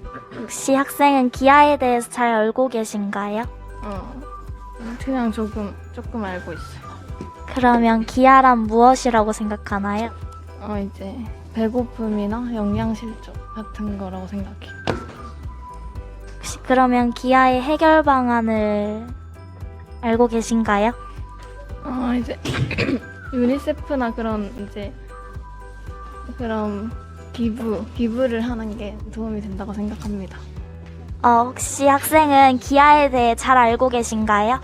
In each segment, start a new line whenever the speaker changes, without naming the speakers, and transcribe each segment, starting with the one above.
혹시 학생은 기아에 대해서 잘 알고 계신가요?
그냥 조금 알고 있어요.
그러면 기아란 무엇이라고 생각하나요?
이제 배고픔이나 영양실조 같은 거라고 생각해요.
혹시 그러면 기아의 해결 방안을 알고 계신가요?
이제 유니세프나 그런 이제 그런 기부를 하는 게 도움이 된다고 생각합니다.
혹시 학생은 기아에 대해 잘 알고 계신가요?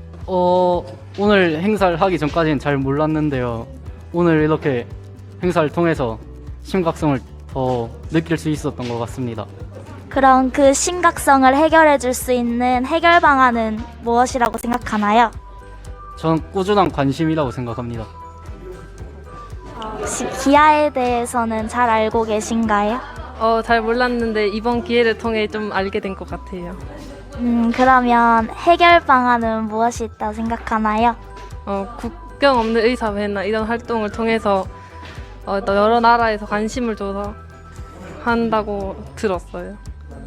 오늘 행사를 하기 전까지는 잘 몰랐는데요. 오늘 이렇게 행사를 통해서 심각성을 더 느낄 수 있었던 것 같습니다.
그럼 그 심각성을 해결해 줄 수 있는 해결 방안은 무엇이라고 생각하나요?
저는 꾸준한 관심이라고 생각합니다.
혹시 기아에 대해서는 잘 알고 계신가요?
잘 몰랐는데 이번 기회를 통해 좀 알게 된 것 같아요.
그러면 해결 방안은 무엇이 있다고 생각하나요?
국경 없는 의사회나 이런 활동을 통해서 또 여러 나라에서 관심을 줘서 한다고 들었어요.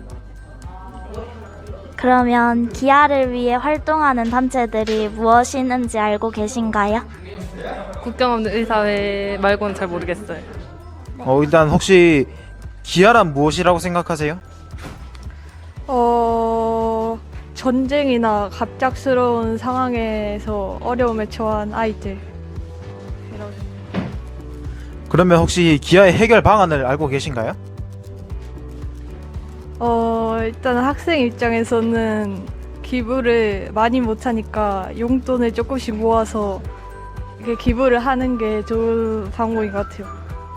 그러면 기아를 위해 활동하는 단체들이 무엇이 있는지 알고 계신가요?
국경 없는 의사회 말고는 잘 모르겠어요.
일단 혹시 기아란 무엇이라고 생각하세요?
전쟁이나 갑작스러운 상황에서 어려움에 처한 아이들.
그러면 혹시 기아의 해결 방안을 알고 계신가요?
일단 학생 입장에서는 기부를 많이 못하니까 용돈을 조금씩 모아서 이렇게 기부를 하는 게 좋은 방법인 것 같아요.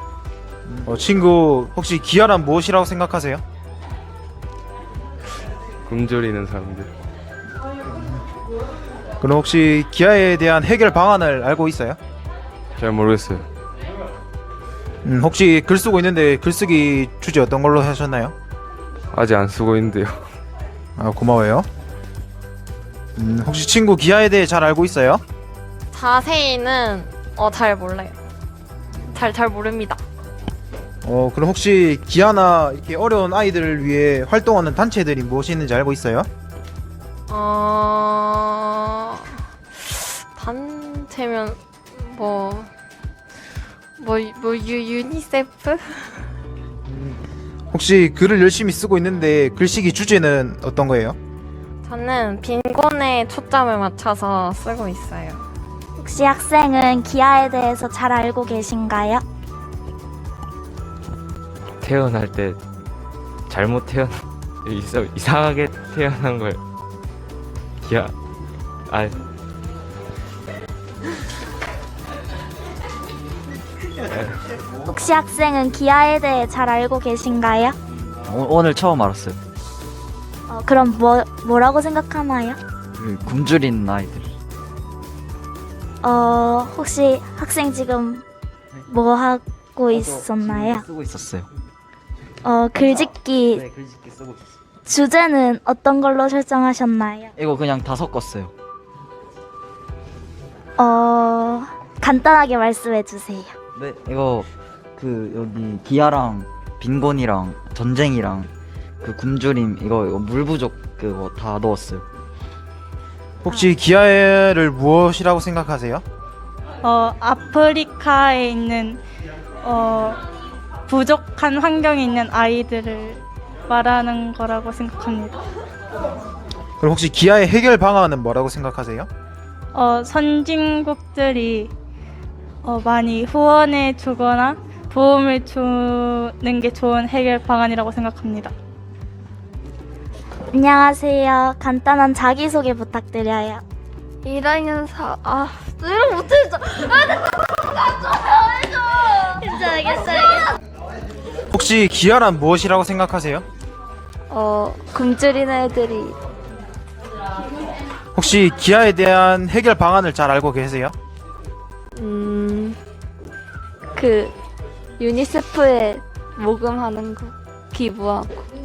친구 혹시 기아란 무엇이라고 생각하세요?
굶주리는 사람들.
그럼 혹시 기아에 대한 해결 방안을 알고 있어요?
잘 모르겠어요.
혹시 글 쓰고 있는데 글쓰기 주제 어떤 걸로 하셨나요?
아직 안 쓰고 있는데요.
고마워요. 혹시 친구 기아에 대해 잘 알고 있어요?
자세히는 잘 몰라요. 잘 모릅니다.
그럼 혹시 기아나 이렇게 어려운 아이들을 위해 활동하는 단체들이 무엇이 있는지 알고 있어요?
단체면 유니세프?
혹시 글을 열심히 쓰고 있는데 글쓰기 주제는 어떤 거예요?
저는 빈곤에 초점을 맞춰서 쓰고 있어요.
혹시 학생은 기아에 대해서 잘 알고 계신가요?
태어날 때 잘못 이상하게 태어난 걸 기아
혹시 학생은 기아에 대해 잘 알고 계신가요?
오늘 처음 알았어요.
그럼 뭐라고 생각하나요?
그 굶주린 아이들.
혹시 학생 지금 뭐 하고 있었나요?
쓰고 있었어요.
글짓기
네, 글짓기 쓰고 있었어요.
주제는 어떤 걸로 설정하셨나요?
이거 그냥 다 섞었어요.
간단하게 말씀해 주세요.
네, 이거 그 여기 기아랑 빈곤이랑 전쟁이랑 그 굶주림 이거 물 부족 그거 다 넣었어요.
혹시 기아를 무엇이라고 생각하세요?
아프리카에 있는 부족한 환경에 있는 아이들을 말하는 거라고 생각합니다.
그럼 혹시 기아의 해결 방안은 뭐라고 생각하세요?
선진국들이 많이 후원해 주거나 도움을 주는 게 좋은 해결 방안이라고 생각합니다.
안녕하세요. 간단한 자기소개 부탁드려요.
1학년 이런 못했어. 괜찮아.
혹시 기아란 무엇이라고 생각하세요?
굶주린 애들이
혹시 기아에 대한 해결 방안을 잘 알고 계세요?
그 유니세프에 모금하는 거 기부하고.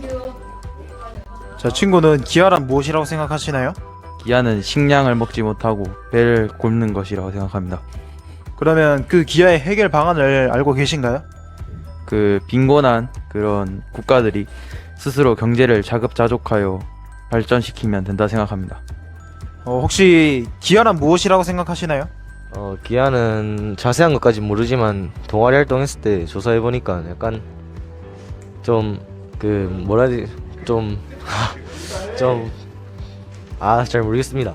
자, 친구는 기아란 무엇이라고 생각하시나요?
기아는 식량을 먹지 못하고 배를 곪는 것이라고 생각합니다.
그러면 그 기아의 해결 방안을 알고 계신가요?
그 빈곤한 그런 국가들이 스스로 경제를 자급자족하여 발전시키면 된다 생각합니다.
혹시 기아란 무엇이라고 생각하시나요?
기아는 자세한 것까지 모르지만 동아리 활동했을 때 조사해 보니까 약간 좀 그 뭐라 해야 되지 잘 모르겠습니다.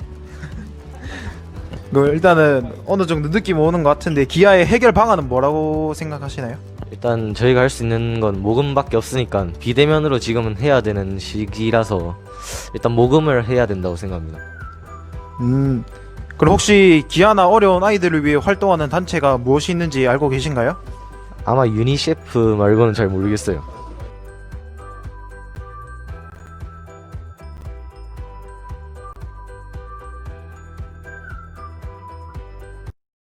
일단은 어느 정도 느낌 오는 것 같은데 기아의 해결 방안은 뭐라고 생각하시나요?
일단 저희가 할 수 있는 건 모금밖에 없으니까 비대면으로 지금은 해야 되는 시기라서 일단 모금을 해야 된다고 생각합니다.
그럼 혹시 기아나 어려운 아이들을 위해 활동하는 단체가 무엇이 있는지 알고 계신가요?
아마 유니셰프 말고는 잘 모르겠어요.